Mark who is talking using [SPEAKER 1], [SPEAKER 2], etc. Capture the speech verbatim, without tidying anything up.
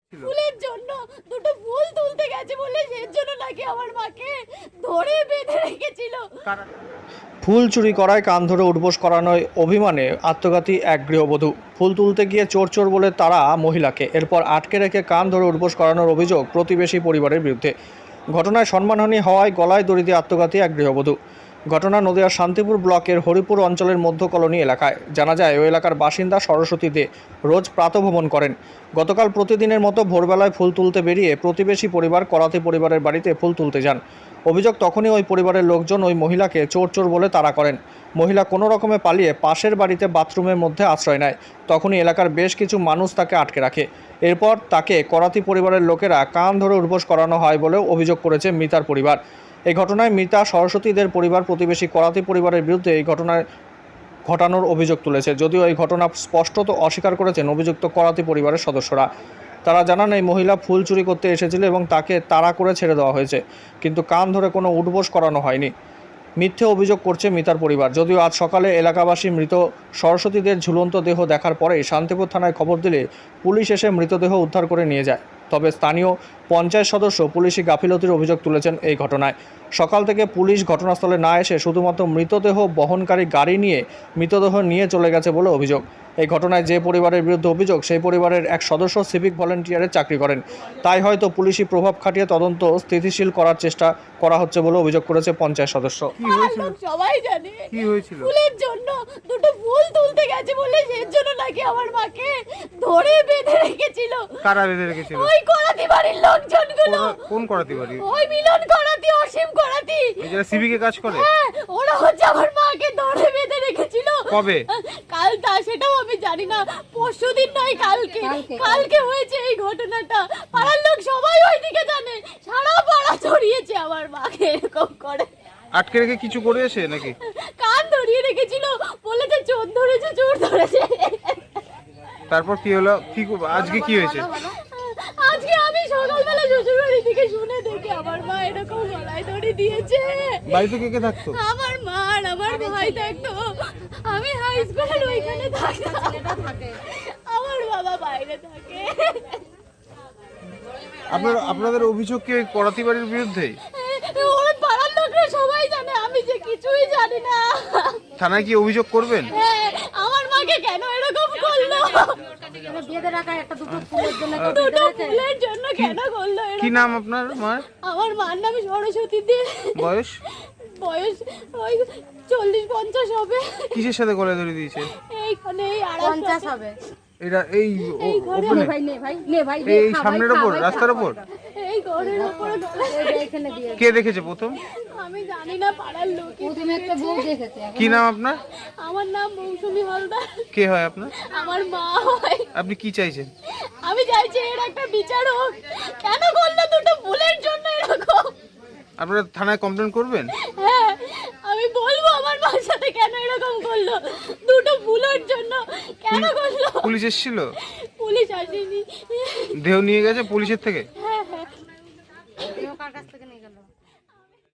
[SPEAKER 1] ফুলের জন্য দুটো ফুল তুলতে গেছে বলে এর জন্য নাকি আমার মাকে ধরে বেঁধে রেখেছিল।
[SPEAKER 2] ফুল চুরি করায় কান ধরে উঠবোস করানোয় অভিমানে আত্মঘাতী এক গৃহবধূ। ফুল তুলতে গিয়ে চোর চোর বলে তারা মহিলাকে, এরপর আটকে রেখে কান ধরে উঠবোস করানোর অভিযোগ প্রতিবেশী পরিবারের বিরুদ্ধে। ঘটনায় সম্মানহানি হওয়ায় গলায় দড়ি দিয়ে আত্মঘাতী এক গৃহবধূ। ঘটনা নদিয়ার শান্তিপুর ব্লকের হরিপুর অঞ্চলের মধ্য কলোনি এলাকায়। জানা যায় ওই এলাকার বাসিন্দা সরস্বতী দে রোজ প্রাতঃভ্রমণ করেন। গতকাল প্রতিদিনের মতো ভোরবেলায় ফুল তুলতে বেরিয়ে প্রতিবেশী পরিবার করাতি পরিবারের বাড়িতে ফুল তুলতে যান। অভিযোগ তখনই ওই পরিবারের লোকজন ওই মহিলাকে চোর চোর বলে তাড়া করেন। মহিলা কোনো রকমে পালিয়ে পাশের বাড়িতে বাথরুমের মধ্যে আশ্রয় নেয়। তখনই এলাকার বেশ কিছু মানুষ তাকে আটকে রাখে। এরপর তাকে করাতি পরিবারের লোকেরা কান ধরে উঠবোস করানো হয় বলেও অভিযোগ করেছে মৃতার পরিবার। এই ঘটনায় মৃতা সরস্বতীদের পরিবার প্রতিবেশী করাতি পরিবারের বিরুদ্ধে এই ঘটনায় ঘটানোর অভিযোগ তুলেছে। যদিও এই ঘটনা স্পষ্টত অস্বীকার করেছেন অভিযুক্ত করাতি পরিবারের সদস্যরা। তারা জানান এই মহিলা ফুল চুরি করতে এসেছিল এবং তাকে তাড়া করে ছেড়ে দেওয়া হয়েছে, কিন্তু কান ধরে কোনো উঠবোস করানো হয়নি। মিথ্যে অভিযোগ করছে মৃতার পরিবার। যদিও আজ সকালে এলাকাবাসী মৃত সরস্বতীদের ঝুলন্ত দেহ দেখার পরেই শান্তিপুর থানায় খবর দিলে পুলিশ এসে মৃতদেহ উদ্ধার করে নিয়ে যায়। তবে স্থানীয় পঞ্চায়েত সদস্য পুলিশি গাফিলতির অভিযোগ তুলেছেন এই ঘটনায়। সকাল থেকে পুলিশ ঘটনাস্থলে না এসে শুধুমাত্র মৃতদেহ বহনকারী গাড়ি নিয়ে মৃতদেহ নিয়ে চলে গেছে বলে অভিযোগ। এই ঘটনায় যে পরিবারের বিরুদ্ধে অভিযোগ, সেই পরিবারের এক সদস্য সিভিক ভলেন্টিয়ারের চাকরি করেন। তাই হয়তো পুলিশি প্রভাব খাটিয়ে তদন্ত স্থিতিশীল করার চেষ্টা করা হচ্ছে বলে অভিযোগ করেছে পঞ্চায়েত সদস্য।
[SPEAKER 1] সবাই জানে
[SPEAKER 3] কি হয়েছিল?
[SPEAKER 1] ফুলের জন্য দুটো ফুল তুলতে গেছে বলে এর জন্য নাকি আমার মাকে ধরে বেঁধে রেখেছিল।
[SPEAKER 3] কারা বেঁধে রেখেছিল?
[SPEAKER 1] ওই করাতি বাড়ির লোকজনগুলো।
[SPEAKER 3] কোন- কোন করাতি বাড়ি?
[SPEAKER 1] ওই মিলন করাতি, অসীম করাতি।
[SPEAKER 3] এই যারা সিভিকে কাজ করে?
[SPEAKER 1] হ্যাঁ, ওরা হচ্ছে আমার মাকে ধরে বেঁধে রেখেছিল।
[SPEAKER 3] কবে?
[SPEAKER 1] কাল, তা সেটাও আমি জানি না, পরশুদিন নয় কালকে কালকে হয়েছে এই ঘটনাটা। পাড়ার লোক সবাই ওইদিকে জানে, সারা পাড়া ছড়িয়েছে আমার মাকে এরকম করে
[SPEAKER 3] আটকে রেখে কিছু করেছে নাকি?
[SPEAKER 1] কান ধরিয়ে রেখেছিল, বলেছে চোর ধরেছে চোর ধরেছে।
[SPEAKER 3] তারপর কি হলো? কি আজকে কি হয়েছে?
[SPEAKER 1] আজকে আমি সকালবেলা শ্বশুর বাড়ি থেকে শুনে দেখি আমার মা এরকম গলায় দড়ি দিয়েছে।
[SPEAKER 3] বাড়িতে কে কে থাকতো?
[SPEAKER 1] আমার মা আর আমার ভাই থাকতো। আমি হাই স্কুলের ওইখানে থাকতাম, আমার বাবা বাইরে থাকে।
[SPEAKER 3] আপনার আপনাদের অভিযোগ কি ওই করাতি বাড়ির বিরুদ্ধে?
[SPEAKER 1] ওর পাড়ার লোকরা সবাই জানে, আমি যে কিছুই জানি না।
[SPEAKER 3] থানায় কি অভিযোগ করবেন?
[SPEAKER 1] হ্যাঁ, আমার মাকে কেন এরকম করলো? দুটো ফুলের জন্য কেন করলো এরকম?
[SPEAKER 3] কি নাম আপনার মার?
[SPEAKER 1] আমার মার নাম সরস্বতী দে।
[SPEAKER 3] বয়স?
[SPEAKER 1] বয়স ওই চল্লিশ পঞ্চাশ হবে।
[SPEAKER 3] কিসের সাথে গলায় ধরে দিয়েছে?
[SPEAKER 1] এইখানে এই পঞ্চাশ হবে।
[SPEAKER 3] এটা এই ও-
[SPEAKER 1] এই ঘরে
[SPEAKER 3] ওপেনে?
[SPEAKER 1] ভাই নে ভাই নে ভাই
[SPEAKER 3] এই সামনের ওপর, রাস্তার ওপর?
[SPEAKER 1] এই ঘরের উপরে এখানে দিয়ে।
[SPEAKER 3] কে দেখেছে প্রথম?
[SPEAKER 1] আমি জানি না, পাড়ার লোক প্রথমে একটা বউ দেখেছে।
[SPEAKER 3] কি নাম আপনার?
[SPEAKER 1] আমার নাম মৌসুমী হালদার।
[SPEAKER 3] কে হয় আপনার?
[SPEAKER 1] আমার মা হয়।
[SPEAKER 3] আপনি কি চাইছেন?
[SPEAKER 1] আমি চাইছি এর একটা বিচার হোক। কেন করলো দুটো ফুলের জন্য এরকম?
[SPEAKER 3] আপনারা থানায় কমপ্লেন করবেন?
[SPEAKER 1] হ্যাঁ, আমি বলবো আমার মার সাথে কেন এরকম করলো, দুটো ফুলের জন্য কেন করলো।
[SPEAKER 3] পুলিশ এসেছিল?
[SPEAKER 1] পুলিশ আসেনি।
[SPEAKER 3] দেহ নিয়ে গেছে পুলিশের থেকে?